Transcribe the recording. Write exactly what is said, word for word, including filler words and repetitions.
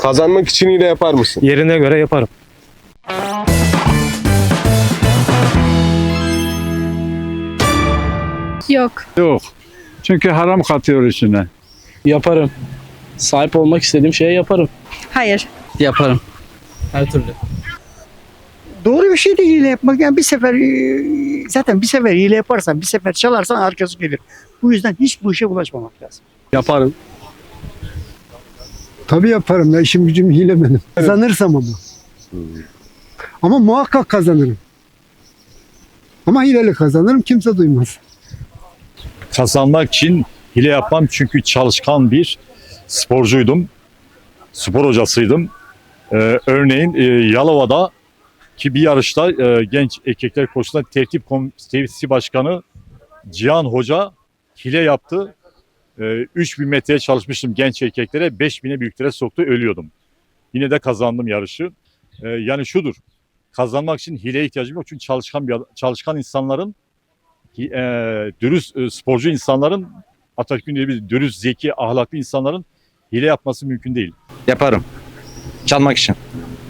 Kazanmak için hile yapar mısın? Yerine göre yaparım. Yok. Yok. Çünkü haram katıyor içine. Yaparım. Sahip olmak istediğim şeye yaparım. Hayır. Yaparım. Her türlü. Doğru bir şey değil hile yapmak. Yani bir sefer e, zaten bir sefer hile yaparsan, bir sefer çalarsan arkası gelir. Bu yüzden hiç bu işe bulaşmamak lazım. Yaparım. Tabii yaparım. Ben işim gücüm hile benim. Kazanırsam ama. Ama muhakkak kazanırım. Ama hileli kazanırım. Kimse duymaz. Kazanmak için hile yapmam çünkü çalışkan bir sporcuydum. Spor hocasıydım. Ee, örneğin e, Yalova'da ki bir yarışta e, genç erkekler koşusunda tertip komitesi başkanı Cihan Hoca hile yaptı. E, üç bin metreye çalışmıştım genç erkeklere, beş bine büyüklere soktu, ölüyordum. Yine de kazandım yarışı. E, yani şudur, kazanmak için hileye ihtiyacım yok çünkü çalışkan bir çalışkan insanların, e, dürüst e, sporcu insanların, Atatürk'ün dediği gibi dürüst, zeki, ahlaklı insanların hile yapması mümkün değil. Yaparım. Çalmak için.